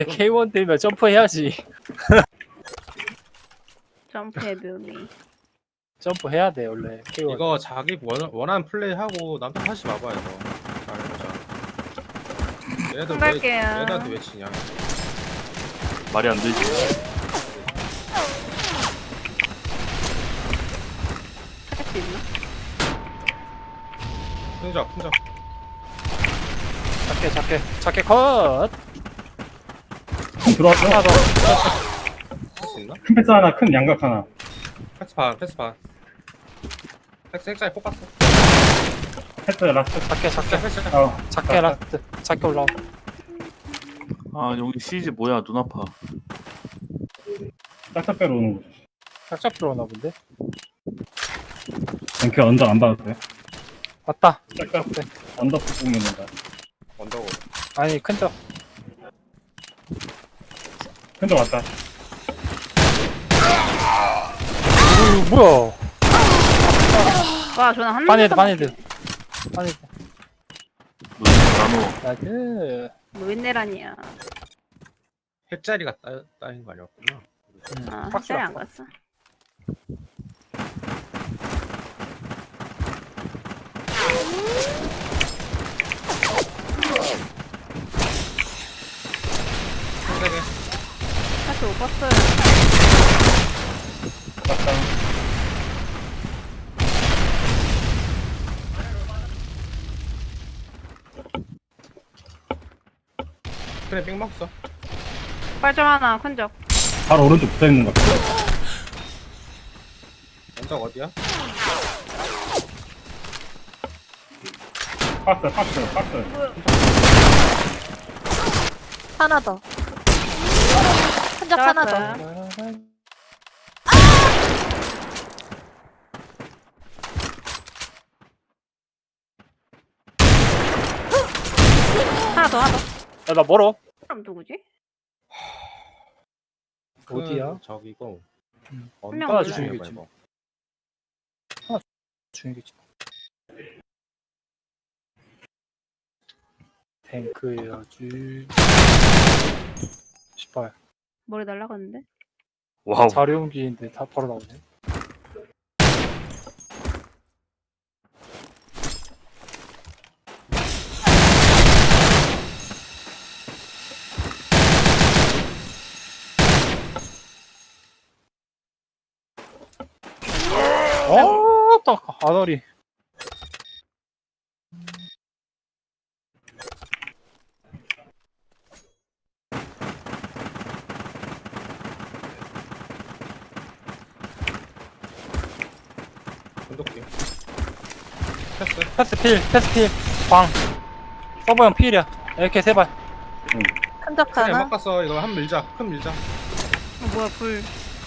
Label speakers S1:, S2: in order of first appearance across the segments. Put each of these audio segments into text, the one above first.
S1: K1 되면 점프해야지.
S2: 점프의 묘미.
S1: 점프해야 돼 원래 K1.
S3: 이거 자기 원하는 플레이 하고 남탓 하지 마봐 이거. 잘해보자. 얘네들 왜
S2: 갈게요.
S3: 얘네들한테 왜 치냐?
S4: 말이 안 되지.
S2: 할 수 있나?
S3: 풍자.
S1: 작게 컷.
S5: 들어왔어?
S1: 하나 더.
S3: 할 수 있나?
S5: 큰 패스 하나, 큰 양각 하나.
S3: 패스 반. 핵자리 뽑았어.
S5: 패스 라스트.
S3: 패스.
S1: 작게 라스트. 작게 올라와.
S4: 아 여기 시즈 뭐야 눈 아파.
S5: 짝짝배로 오는 거지.
S1: 짝짝 들어오나 본데.
S5: 그 언덕 안 봐도 돼.
S1: 왔다.
S5: 짝짝 언덕 보면 된다.
S3: 언더고.
S1: 아니 큰 점.
S5: 큰적 왔다.
S1: 뭐야?
S2: 와, 저는 한
S1: 반해드.
S4: 눈 나노.
S1: 나이스.
S2: 노인네란이야.
S3: 핵자리가 따인 거 아니었구나.
S2: 아,
S1: 박스
S2: 확실히 안
S1: 왔어.
S2: 갔어.
S3: 세개
S2: 다시 못 봤어요.
S5: 왔다.
S3: 그래 삥 먹었어.
S2: 빨점 하나, 큰 적.
S5: 바로 오른쪽 붙어 있는 거.
S3: 언덕 어디야?
S5: 박스.
S6: 하나 더. 한적 하나 더.
S2: 잡았어요. 하나 더.
S1: 야, 나 멀어.
S2: 그럼 누구지?
S1: 어디야?
S3: 저기고.
S2: 분명
S1: 하나
S2: 몰라요.
S1: 주인이겠지. 중이겠지. 탱크해야지. 18.
S2: 머리 날라갔는데?
S4: 와우.
S1: 자료 옮기는데 다 바로 나오네. 딱 아너리.
S3: 언덕기.
S1: 패스 필. 광. 서버 형 필이야. 이렇게 세 발.
S6: 한적
S3: 그래
S6: 하나.
S3: 막 갔어. 이거 한 밀자. 큰 밀자.
S2: 뭐야, 불.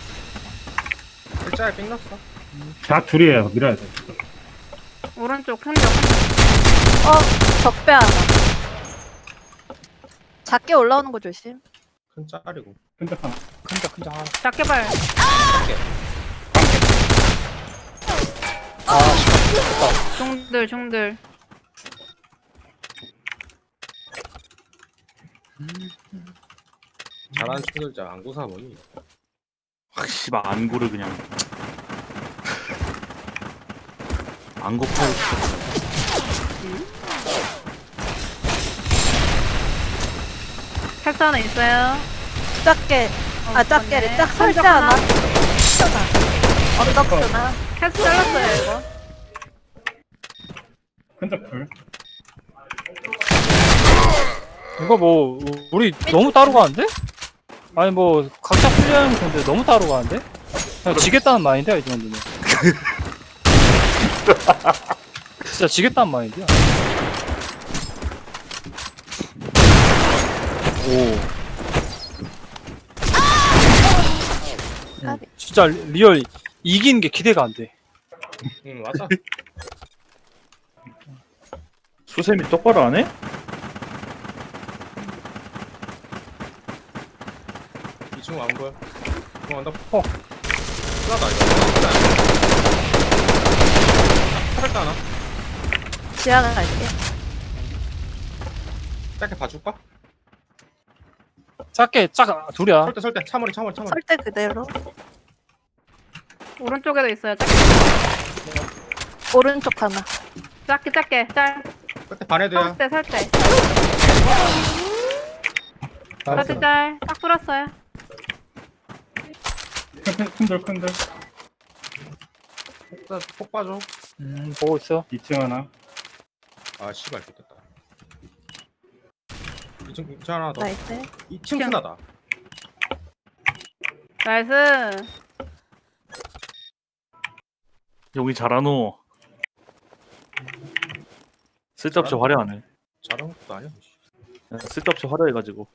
S3: 핵자리 삥 넣었어.
S5: 자 둘이에요. 밀어야 돼.
S2: 오른쪽 큰 적.
S6: 적배 하나. 작게 올라오는 거 조심.
S3: 큰 짜리고.
S5: 큰적 하나.
S1: 큰장 하나.
S2: 작게 발. 중들.
S3: 잘하는 친구들 잘 안 구사 보니.
S4: 씨발 안구를 그냥. 안구 파일 시켰어.
S2: 패스 하나 있어요.
S6: 작게. 작게래. 짝 설대 하나. 언덕 하나.
S2: 패스 잘랐어요, 이거.
S5: 큰적 둘.
S1: 이거 뭐 우리 너무 따로 가는데? 아니 뭐 각자 플레이하는 건데 너무 따로 가는데? 그냥 지겠다는 마인드야 이 정도면. 진짜 지겠다는 마인드야. 오. 진짜 리얼 이기는 게 기대가 안 돼.
S3: 응 맞아.
S4: 수세미 똑바로 안 해?
S3: 이 친구 안 보여. 이거 언덕. 쓰라다 이거. 차별도 하나.
S6: 지하가 갈게.
S3: 짧게 봐줄까?
S1: 작게 짝 둘이야.
S3: 설대 차머리.
S6: 설대 그대로.
S2: 오른쪽에도 있어요.
S6: 오른쪽 하나.
S2: 작게 짤.
S3: 끝에 반해도야.
S2: 살때.
S1: 나이스.
S2: 살때 짤. 딱 뚫었어요.
S5: 큰들.
S3: 폭 빠져.
S1: 보고 있어.
S5: 2층 하나.
S3: 아 씨발 좋겠다. 2층 하나 더.
S6: 나이스.
S3: 2층 스나다.
S2: 나이스.
S4: 용이 잘하노. 쓸데없이 화려하네.
S3: 잘한 것도 아니야.
S4: 그냥 쓸데없이 화려해가지고.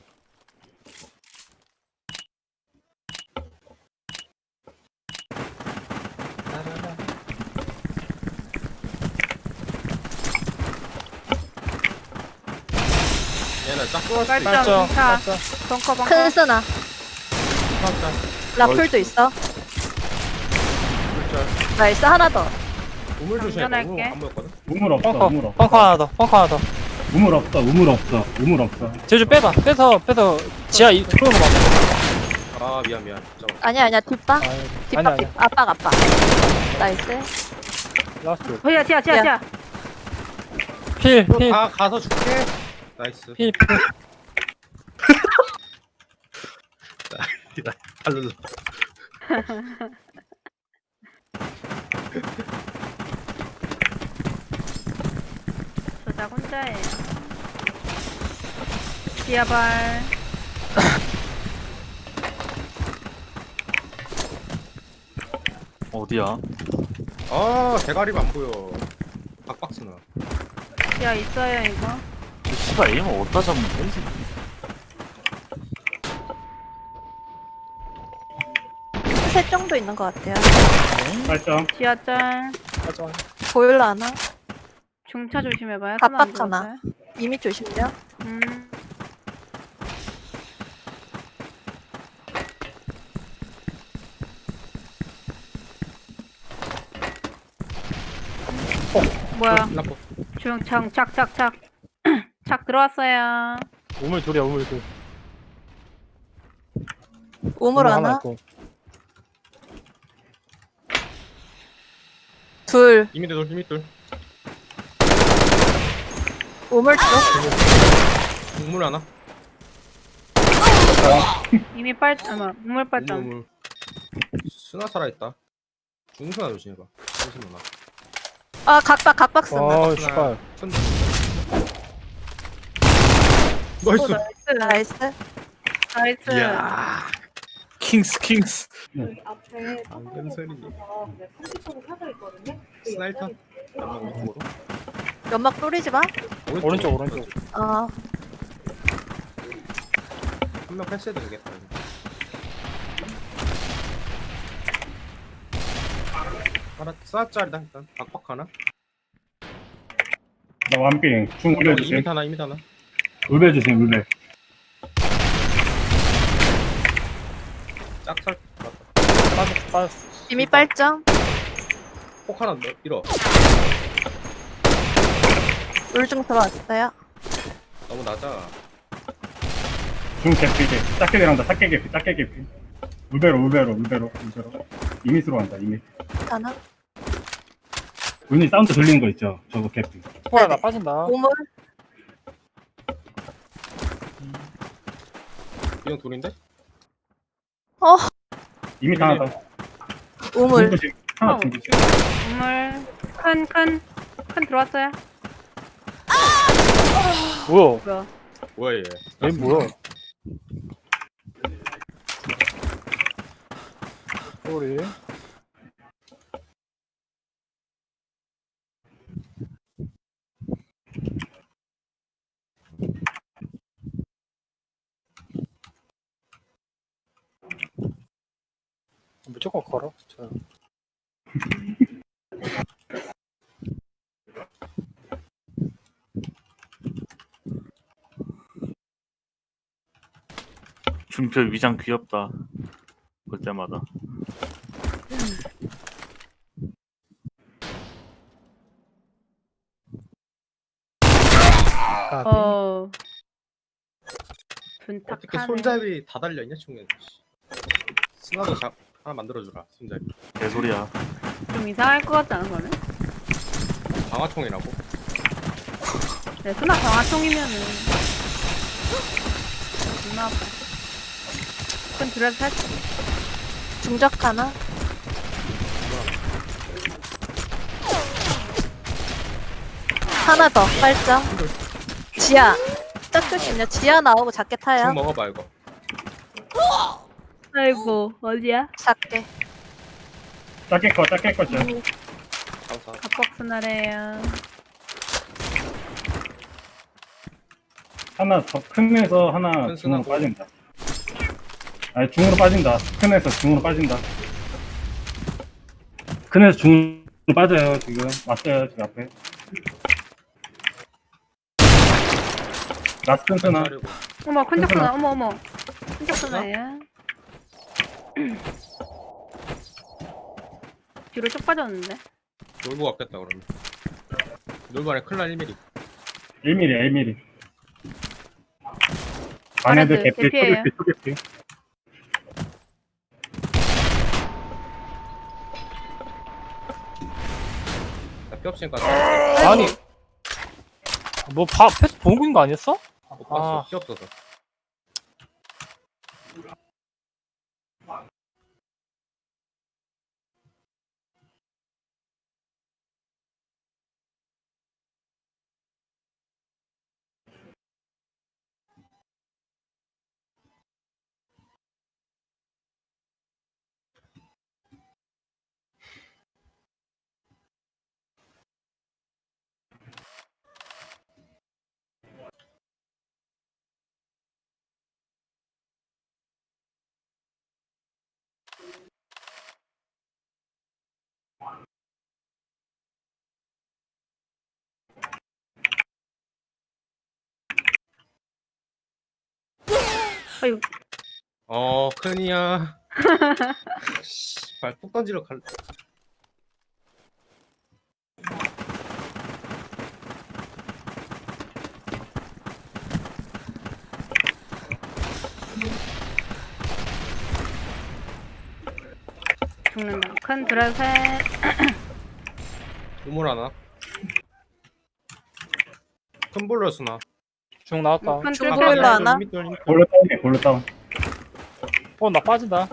S3: 얘는 딱 뚫었을 때
S2: 깔짝.
S1: 깔짝.
S2: 자.
S1: 깔짝.
S2: 벙커.
S6: 큰 스나.
S3: 짤.
S6: 라풀도 있어.
S3: 짤.
S6: 나이스 하나 더.
S3: 우물 조심해.
S2: 장전할게.
S3: 우물 안 보였거든.
S5: 우물 없어.
S1: 펑커.
S5: 우물 없어.
S1: 펑커 하나 더. 펑커 하나 더.
S5: 우물 없어.
S1: 제주 빼봐. 빼서 지하 들어오는 거 맞아.
S3: 아 미안. 잠깐.
S6: 아니야 뒷방.
S1: 아니
S6: 뒷방
S1: 아니야.
S6: 압박. 나이스.
S1: 라스트.
S2: 지하.
S1: 필.
S3: 가서 줄게. 나이스.
S1: 필.
S3: 달르르.
S2: 저자 혼자예요. 지하발.
S4: 어디야?
S3: 아 대가리가 안 보여. 박박스나.
S2: 지하 있어요 이거.
S4: 저 씨발 에임을 어디다 잡는 거야? 이 새끼?
S6: 셋 정도 있는 것 같아요.
S5: 발점.
S2: 지하 짤.
S1: 맞아.
S6: 보일러 하나.
S2: 중차 조심해봐요.
S6: 압박
S2: 손안
S6: 하나.
S2: 들어가요.
S6: 이미 조심해요.
S2: 뭐야?
S3: 라포.
S2: 착. 착 들어왔어요.
S1: 우물 둘이야. 우물 둘.
S6: 우물 하나.
S1: 있고.
S6: 둘.
S3: 이미 둘.
S6: 우물 쪽.
S3: 우물 하나.
S2: 이미 우물 빨점.
S3: 우물. 스나 살아있다. 중스나 조심해봐. 조심 누나.
S6: 아 각박 스나.
S1: 아 씨발.
S3: 나이스.
S2: 나이스.
S6: 나이스.
S2: 나이스.
S3: 이야.
S4: 킹스.
S3: 방금 소리. 스나일턴. 연막 오른쪽으로.
S6: 연막 뿌리지 마.
S1: 오른쪽.
S6: 아
S3: 한명 패스해도 되겠다. 하나 스나짜리다 일단. 박박 하나.
S5: 나 완빙. 중 울배
S3: 이미
S5: 주심.
S3: 하나.
S5: 울배 주심. 울배.
S3: 짝살.
S1: 빠졌어.
S6: 이미 빨점.
S3: 폭 하나 밀어.
S6: 울중 들어왔어요.
S3: 너무 낮아.
S5: 중 개피. 작게 들어간다. 작게 개피. 울배로. 이미스로 간다. 이미.
S6: 하나.
S5: 은희 사운드 들리는 거 있죠? 저거 개피.
S1: 폴 나 빠진다.
S6: 우물.
S3: 이형 둘인데?
S5: 이미 하나 더.
S6: 우물.
S5: 중 주심. 하나 중 주심.
S2: 우물. 큰 들어왔어요.
S1: 뭐야?
S3: 뭐야 얘?
S1: 얘 뭐야? 소리. 무조건 걸어. 저.
S4: 준표 위장 귀엽다. 볼 때마다.
S1: 까비.
S2: 둔탁하네.
S3: 어떻게 손잡이 다 달려있냐 총에. 스나도 하나 만들어주라 손잡이.
S4: 개소리야.
S2: 좀 이상할 것 같지 않아 그러면?
S3: 방화총이라고.
S2: 네, 스나 강화통이면은 존나 아파. 큰 드레스 할수
S6: 중적 하나. 하나 더, 빨점. 지하. 딱 조심요. 지하 나오고 작게 타요.
S3: 총 먹어봐 이거.
S2: 아이고 어디야?
S6: 작게.
S5: 작게 거 죠.
S3: 감사.
S2: 갑박스나래요.
S5: 하나 더 큰에서 하나
S3: 큰
S5: 중으로
S3: 스나고.
S5: 빠진다. 아니 중으로 빠진다. 큰에서 중으로 빠진다. 큰에서 중으로 빠져요 지금. 왔어요 지금 앞에. 라스트 스나.
S3: 자르고.
S2: 어머 큰적
S5: 괜찮아.
S2: 스나 어머 큰적 스나예요. 뒤로 쭉 빠졌는데.
S3: 놀고 갔겠다 그러면. 놀고 안에 클라 1mm.
S5: 1mm, 1mm. 안에들
S2: 아래들
S5: 개피,
S2: 개피예요.
S5: 초개피.
S3: 나피 없으니까
S1: 아니 뭐 패스 보고 있는 거 아니었어?
S3: 못 봤어.
S1: 아.
S3: 피 없어서.
S2: 아유
S3: 큰이야. 발푹 던지러 갈.
S2: 죽는다. 큰 드레스.
S3: 우물 하나. 큰 볼러 쓰나.
S1: 중 나왔다.
S2: 큰
S6: 중
S2: 뚫고
S6: 볼러
S2: 있어요.
S6: 하나?
S5: 골로 다운해, 골로 다운.
S1: 나 빠진다.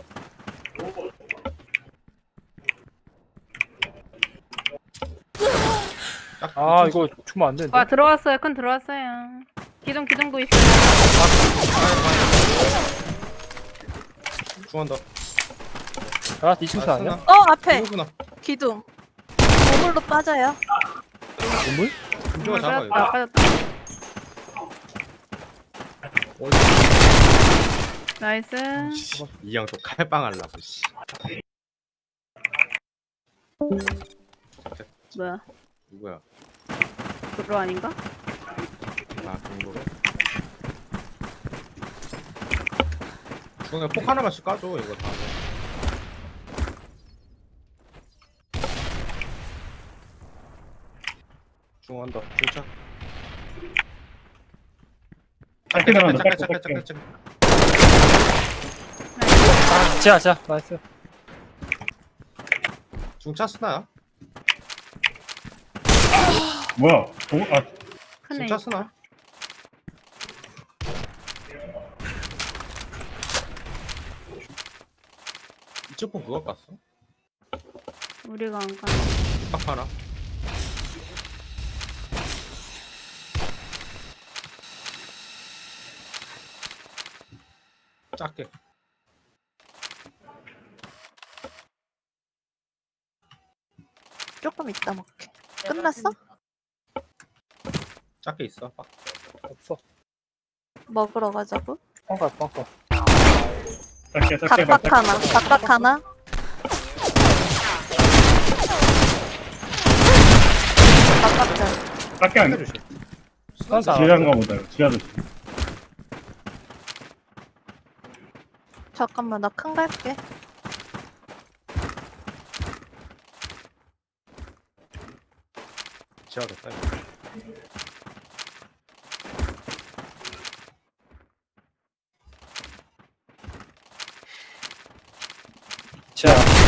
S1: 아 이거 주면 안 되는데.
S2: 와 들어왔어요. 큰 들어왔어요. 기둥도 있어요.
S3: 중한다.
S1: 아 이층스 아니야?
S6: 앞에.
S3: 중구나.
S6: 기둥. 우물로 빠져요.
S1: 우물?
S3: 중구가 잡아 이거.
S2: 빠졌다.
S3: 어디?
S2: 나이스.
S3: 이양 또 칼빵 하려고 씨.
S2: 뭐야?
S3: 누구야?
S2: 그로 아닌가?
S3: 아 중구로. 중에 폭 하나만씩 까줘 이거 다. 중한다. 중차.
S5: 짧게 나간다,
S3: 짧게,
S5: 짧게,
S3: 짧게,
S5: 짧게.
S3: 짧게.
S1: 지하 나이스.
S3: 중차 쓰나요?
S5: 뭐야?
S2: 크네.
S3: 중차 쓰나? 이쪽 폰 그거 깠어?
S2: 우리가 안 가.
S3: 딱 하나. 작게.
S6: 조금 이따 먹게. 끝났어?
S3: 작게 있어. 빡.
S1: 없어.
S6: 먹으러 가자고.
S1: 뻥가.
S5: 짧게,
S6: 각박 하나. 각박 하나. 각박전.
S5: 짧게 안 돼.
S3: 해주시.
S1: 선사.
S5: 지하인가 보다, 이거. 지하도.
S6: 잠깐만 나 큰 갈게.
S3: 지하겠다. 이거.
S1: 자